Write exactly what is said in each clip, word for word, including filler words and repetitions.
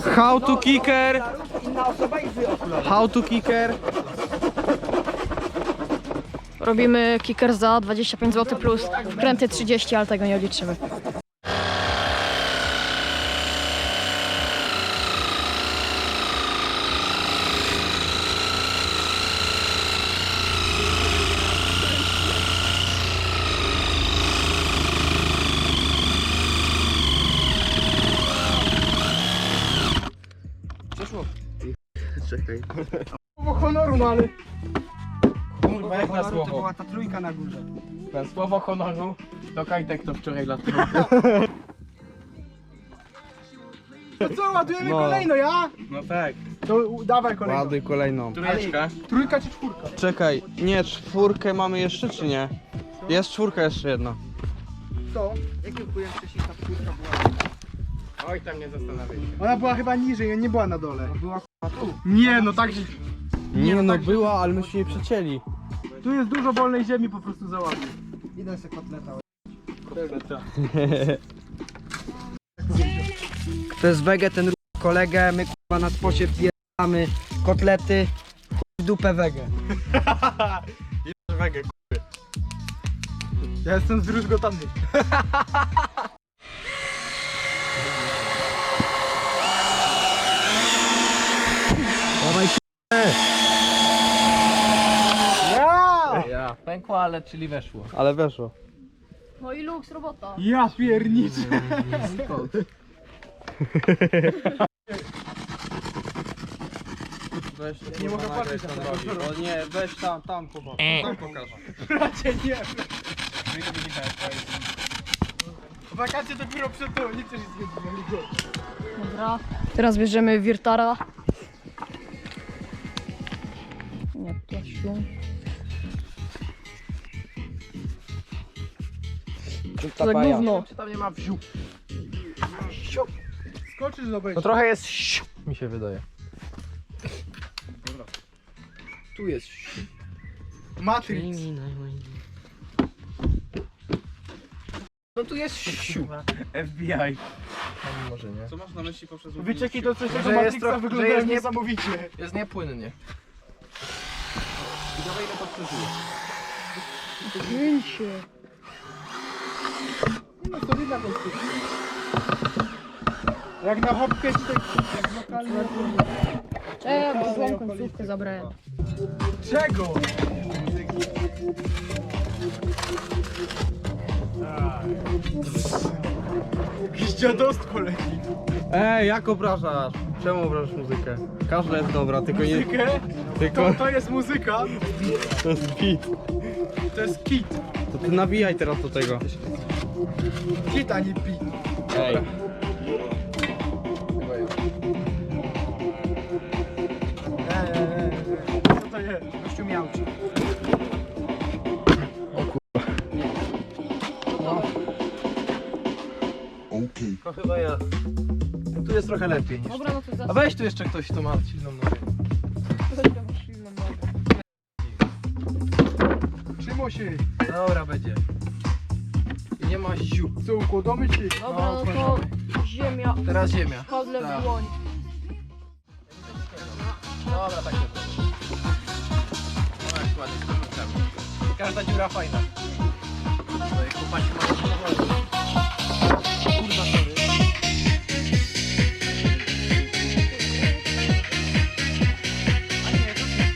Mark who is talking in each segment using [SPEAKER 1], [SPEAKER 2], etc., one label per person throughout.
[SPEAKER 1] How to kicker.
[SPEAKER 2] Inna osoba i wy okulary.
[SPEAKER 1] How to kicker.
[SPEAKER 3] Robimy kicker za dwadzieścia pięć złotych plus wkręty trzydzieści, ale tego nie liczymy.
[SPEAKER 1] Czekaj.
[SPEAKER 2] Słowo honoru, no ale...
[SPEAKER 1] Kurwa, jak na
[SPEAKER 2] To
[SPEAKER 1] słowo.
[SPEAKER 2] była ta trójka na górze.
[SPEAKER 1] Na słowo honoru to Kajtek to wczoraj latał.
[SPEAKER 2] To co, ładujemy
[SPEAKER 1] No.
[SPEAKER 2] kolejno, ja?
[SPEAKER 1] No tak.
[SPEAKER 2] To u- dawaj kolejno.
[SPEAKER 1] Ładuj kolejną. Trójeczka.
[SPEAKER 2] Trójka czy czwórka?
[SPEAKER 1] Czekaj, nie, czwórkę mamy jeszcze czy nie? Jest czwórka jeszcze jedna.
[SPEAKER 2] To? Jakie byłem wcześniej ta czwórka była?
[SPEAKER 1] Oj, tam nie zastanawiaj się.
[SPEAKER 2] Ona była chyba niżej, nie była na dole. Była tu. Nie, no tak, że...
[SPEAKER 1] Nie no,
[SPEAKER 2] tak, że-
[SPEAKER 1] była, ale myśmy jej przecięli.
[SPEAKER 2] Tu jest dużo wolnej ziemi, po prostu załaduj. Idę sobie kotleta. To jest wege, ten kolegę, my kurwa na spocie wbieramy kotlety, chuj w dupę wege.
[SPEAKER 1] Wege,
[SPEAKER 2] Ja jestem zdruzgotany.
[SPEAKER 1] dawaj
[SPEAKER 2] Ja!
[SPEAKER 1] ja. Pękła, ale czyli weszło. Ale weszło.
[SPEAKER 3] No i luks robota.
[SPEAKER 2] Ja pierniczę.
[SPEAKER 1] Weź,
[SPEAKER 2] Nie mogę patrzeć
[SPEAKER 1] tam
[SPEAKER 2] na
[SPEAKER 1] robi.
[SPEAKER 2] to.
[SPEAKER 1] O nie, weź tam, tam popatrz. Tam pokaż.
[SPEAKER 2] Bracie, nie. Wakacje dopiero przed to, nie chcesz się zgodzić.
[SPEAKER 3] Dobra. Teraz bierzemy Wirtara. Nie, plasiu. To tak gówno.
[SPEAKER 1] Czy tam nie ma wziu?
[SPEAKER 2] Skoczysz do
[SPEAKER 1] To
[SPEAKER 2] wejścia.
[SPEAKER 1] trochę jest siu, mi się wydaje. Tu jest siu.
[SPEAKER 2] Matrix.
[SPEAKER 1] No tu jest siu.
[SPEAKER 2] F B I.
[SPEAKER 1] No, może nie. Co masz na myśli poprzez
[SPEAKER 2] Wyczeki do coś,
[SPEAKER 1] Że
[SPEAKER 2] tego
[SPEAKER 1] jest
[SPEAKER 2] Matrixa
[SPEAKER 1] trochę- że
[SPEAKER 2] wyglądają
[SPEAKER 1] jest nie-
[SPEAKER 2] niesamowicie.
[SPEAKER 1] Jest niepłynnie. I dawaj ile to przeżyje.
[SPEAKER 3] Zdjęcie.
[SPEAKER 2] No to widać konstrukcja. Jak na hopkę czy tak jak lokalny.
[SPEAKER 3] Czekaj, bo złą końcówkę zabrałem.
[SPEAKER 2] Czego? Jakiś dziadostwo leci.
[SPEAKER 1] Ej, jak obrażasz? Czemu obrażasz muzykę? Każda jest dobra, tylko nie...
[SPEAKER 2] Muzykę?
[SPEAKER 1] Tylko...
[SPEAKER 2] To, to jest muzyka,
[SPEAKER 1] To jest beat.
[SPEAKER 2] to jest kit.
[SPEAKER 1] To ty nawijaj teraz do tego.
[SPEAKER 2] Kit, a nie beat.
[SPEAKER 1] Ej.
[SPEAKER 2] Eee, eee, eee. Co to jest? Gościu miałczy.
[SPEAKER 1] To chyba ja. Tu jest trochę lepiej niż...
[SPEAKER 3] Dobra, no to
[SPEAKER 1] A
[SPEAKER 3] za...
[SPEAKER 1] weź tu jeszcze ktoś, kto ma silną nogę.
[SPEAKER 2] Trzymo się.
[SPEAKER 1] Dobra, będzie. I nie ma ziu.
[SPEAKER 2] Co, układamy ci?
[SPEAKER 3] Dobra, no to ziemia.
[SPEAKER 1] Teraz ziemia.
[SPEAKER 3] Handlem
[SPEAKER 1] Tak.
[SPEAKER 3] w dłoń.
[SPEAKER 1] Dobra, tak jest. No jak ładnie z komórkami. Każda dziura fajna. No i chłopaki mają samochody. Kurwa, sorry. A nie, to nie.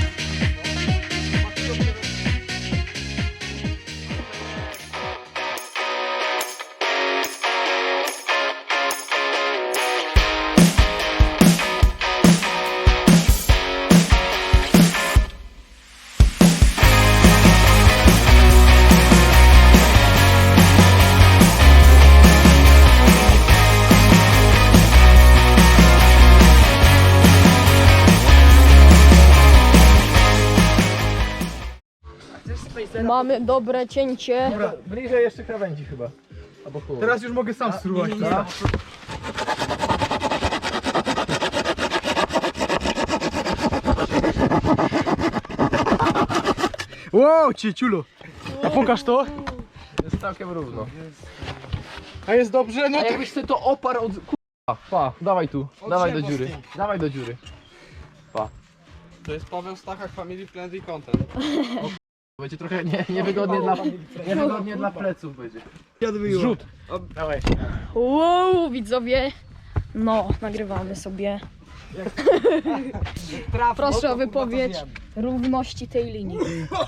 [SPEAKER 3] Mamy dobre cięcie.
[SPEAKER 2] Dobra,
[SPEAKER 1] Bliżej jeszcze krawędzi chyba. Albo chuj.
[SPEAKER 2] teraz już mogę sam spróbować,
[SPEAKER 1] nie, nie,
[SPEAKER 2] tak? Wow, cieciulo. A pokaż to.
[SPEAKER 1] Jest całkiem równo.
[SPEAKER 2] A jest dobrze? No
[SPEAKER 1] A
[SPEAKER 2] to...
[SPEAKER 1] jakbyś sobie to oparł od Pa, pa, dawaj tu, dawaj do dziury, dawaj do dziury.
[SPEAKER 4] To jest Paweł Stachak, Family Friendly Content.
[SPEAKER 1] Będzie trochę nie, niewygodnie, dla, niewygodnie dla pleców będzie. Zrzut. Dawaj.
[SPEAKER 3] Wow, widzowie. No, nagrywamy sobie. Proszę o wypowiedź równości tej linii.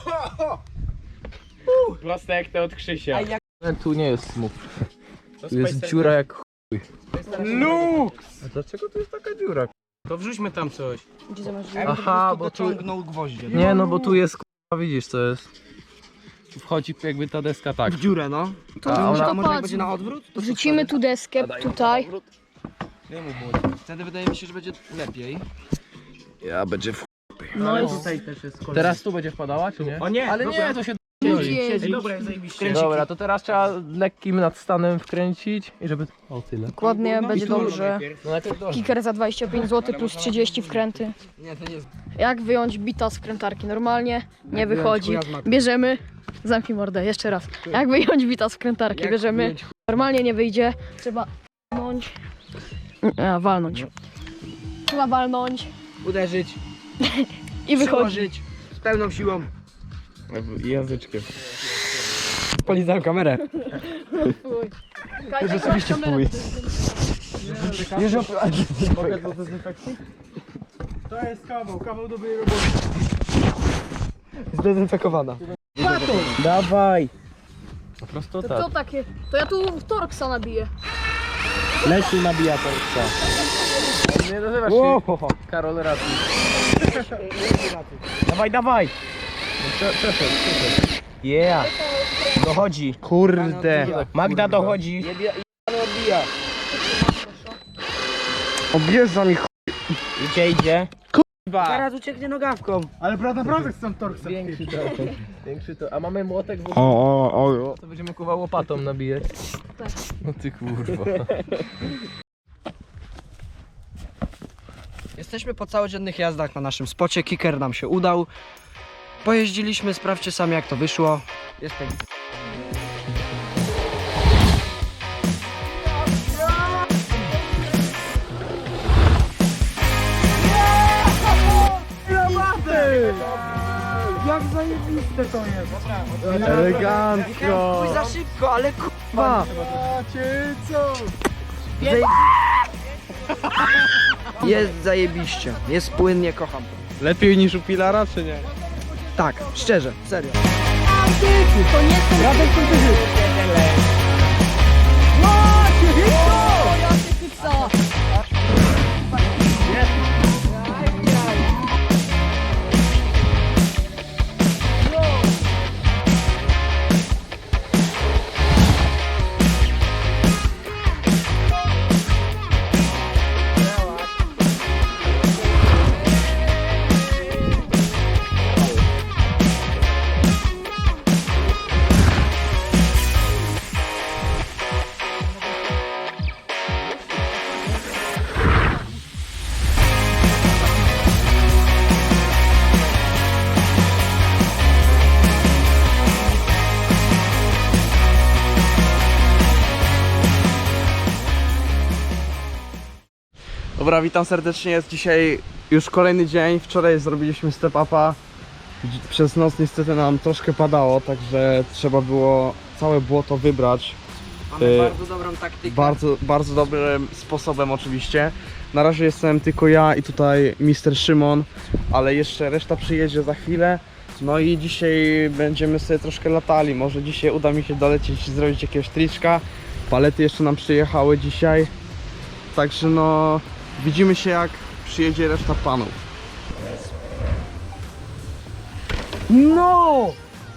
[SPEAKER 4] Proste jak te od Krzysia.
[SPEAKER 1] Tu nie jest smów. Tu jest dziura jak chuj.
[SPEAKER 4] Lux!
[SPEAKER 1] A dlaczego tu jest taka dziura?
[SPEAKER 4] To wrzućmy tam coś.
[SPEAKER 3] Gdzie zobacz,
[SPEAKER 1] Aha, bo tu...
[SPEAKER 2] Ciągnął gwoździe.
[SPEAKER 1] Nie no, bo tu jest k***a, widzisz co jest. Tu wchodzi jakby ta deska tak.
[SPEAKER 2] W dziurę, no. To,
[SPEAKER 1] A
[SPEAKER 2] to może,
[SPEAKER 1] ona-
[SPEAKER 2] a może jak
[SPEAKER 3] Patrz.
[SPEAKER 2] będzie na odwrót? To co
[SPEAKER 3] Wrzucimy tu deskę tutaj.
[SPEAKER 4] Nie mów młody.
[SPEAKER 2] Wtedy wydaje mi się, że będzie lepiej.
[SPEAKER 1] Ja będzie w...
[SPEAKER 3] No i
[SPEAKER 2] Tutaj też jest kolejny.
[SPEAKER 1] Teraz tu będzie wpadała, czy nie?
[SPEAKER 4] O nie!
[SPEAKER 1] Ale nie, to się
[SPEAKER 3] siedzi.
[SPEAKER 4] Ej, dobra, zajebiście.
[SPEAKER 1] Dobra, to teraz trzeba lekkim nadstanem wkręcić i żeby... O tyle.
[SPEAKER 3] Dokładnie, będzie dobrze.
[SPEAKER 1] No najpierw do...
[SPEAKER 3] Kicker za dwadzieścia pięć złotych plus trzydzieści wkręty.
[SPEAKER 2] Nie, to nie jest.
[SPEAKER 3] Jak wyjąć bita z wkrętarki? Normalnie nie
[SPEAKER 2] Jak
[SPEAKER 3] wychodzi.
[SPEAKER 2] wyjąć chuja z maku?
[SPEAKER 3] Bierzemy. Zamknij mordę, jeszcze raz. Jak wyjąć bita z wkrętarki?
[SPEAKER 2] Jak
[SPEAKER 3] Bierzemy.
[SPEAKER 2] wyjąć
[SPEAKER 3] Normalnie nie wyjdzie. Trzeba walnąć. A, walnąć. Trzeba walnąć
[SPEAKER 2] Uderzyć,
[SPEAKER 3] i wychodzi.
[SPEAKER 2] przyłożyć z pełną siłą.
[SPEAKER 4] Języczkiem.
[SPEAKER 2] Polizałem kamerę.
[SPEAKER 3] Rzeczywiście
[SPEAKER 2] fuj.
[SPEAKER 4] Mogę do dezynfekcji? To jest kawał, kawał dobrej roboty.
[SPEAKER 2] Zdezynfekowana.
[SPEAKER 1] Dawaj! Po prostu
[SPEAKER 3] To
[SPEAKER 1] tak.
[SPEAKER 3] co takie? To ja tu Torksa nabiję.
[SPEAKER 1] Leci nabija Torksa. Nie nazywasz się Karol Raty. Dawaj, dawaj! No, przeszedł, przeszedł. Yeah! Dochodzi. Kurde. Magda dochodzi.
[SPEAKER 2] Objeżdża mi ch...
[SPEAKER 1] Idzie, idzie.
[SPEAKER 2] Zaraz ucieknie nogawką.
[SPEAKER 4] Ale prawda, naprawdę chcę Torksem.
[SPEAKER 1] Większy to. Większy to. A mamy młotek w ogóle.
[SPEAKER 2] O, o, o.
[SPEAKER 1] To będziemy kurwa łopatą nabijać.
[SPEAKER 3] Tak.
[SPEAKER 1] No ty kurwa.
[SPEAKER 2] Jesteśmy po całodziennych jazdach na naszym spocie. Kicker nam się udał. Pojeździliśmy, sprawdźcie sami jak to wyszło. Jest pięknie. Jak zajebiste to jest!
[SPEAKER 1] Elegancko.
[SPEAKER 2] Pójdź za szybko, ale kurwa! Zaje... Jest zajebiście, jest płynnie, kocham to.
[SPEAKER 4] Lepiej niż u Pilara, czy nie?
[SPEAKER 2] Tak, szczerze, serio.
[SPEAKER 3] To nie są...
[SPEAKER 2] Radek
[SPEAKER 3] Co?
[SPEAKER 4] Dobra, witam serdecznie, jest dzisiaj już kolejny dzień. Wczoraj zrobiliśmy step upa. Dzi- Przez noc niestety nam troszkę padało, także trzeba było całe błoto wybrać.
[SPEAKER 2] Mamy
[SPEAKER 4] Y,
[SPEAKER 2] bardzo dobrą taktykę.
[SPEAKER 4] Bardzo, bardzo dobrym sposobem oczywiście. Na razie jestem tylko ja i tutaj mister Szymon, ale jeszcze reszta przyjedzie za chwilę. No i dzisiaj będziemy sobie troszkę latali. Może dzisiaj uda mi się dolecieć i zrobić jakiegoś triczka. Palety jeszcze nam przyjechały dzisiaj. Także no, widzimy się jak przyjedzie reszta panów.
[SPEAKER 2] No!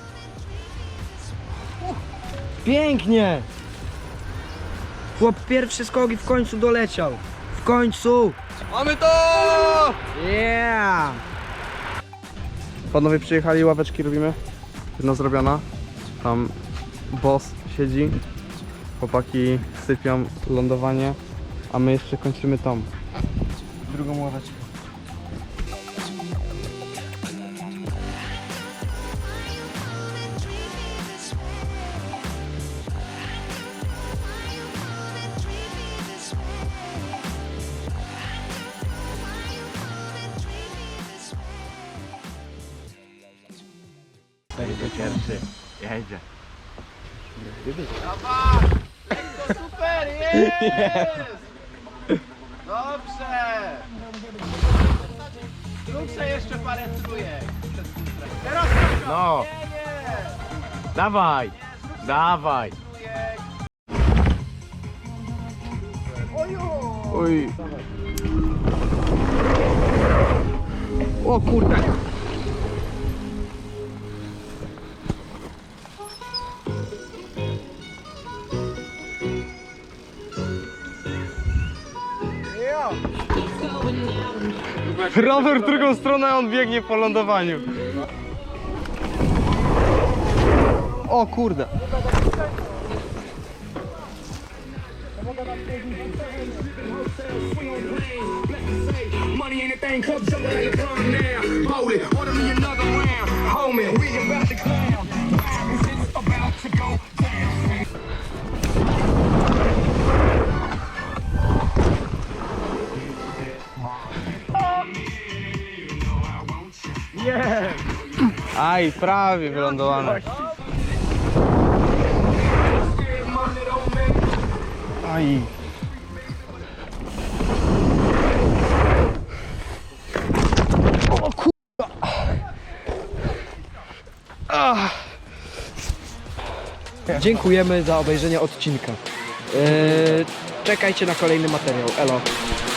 [SPEAKER 2] Pięknie! Chłop pierwszy skok i w końcu doleciał. W końcu!
[SPEAKER 4] Mamy to!
[SPEAKER 2] Yeah!
[SPEAKER 4] Panowie przyjechali, ławeczki robimy. Jedna zrobiona. Tam boss siedzi. Chłopaki sypią lądowanie. A my jeszcze kończymy tą drugą ławeczkę.
[SPEAKER 1] Będzie pierwszy. Jedzie.
[SPEAKER 2] Lekko, super, jest! Dobrze! Zróbcie jeszcze parę trójek. Teraz
[SPEAKER 1] No,
[SPEAKER 2] nie, nie!
[SPEAKER 1] dawaj, dawaj.
[SPEAKER 2] Trójek.
[SPEAKER 4] Oj. O kurde. Rower w drugą stronę, a on biegnie po lądowaniu. O kurde.
[SPEAKER 5] Money ain't a thing, club jumping in the club now. Hold it, order me another round. Homie, we about to clown. It's about to go down.
[SPEAKER 4] Aj, prawie wylądowane. Aj. O kurwa. Ah.
[SPEAKER 2] Dziękujemy za obejrzenie odcinka. Eee, czekajcie na kolejny materiał. Elo.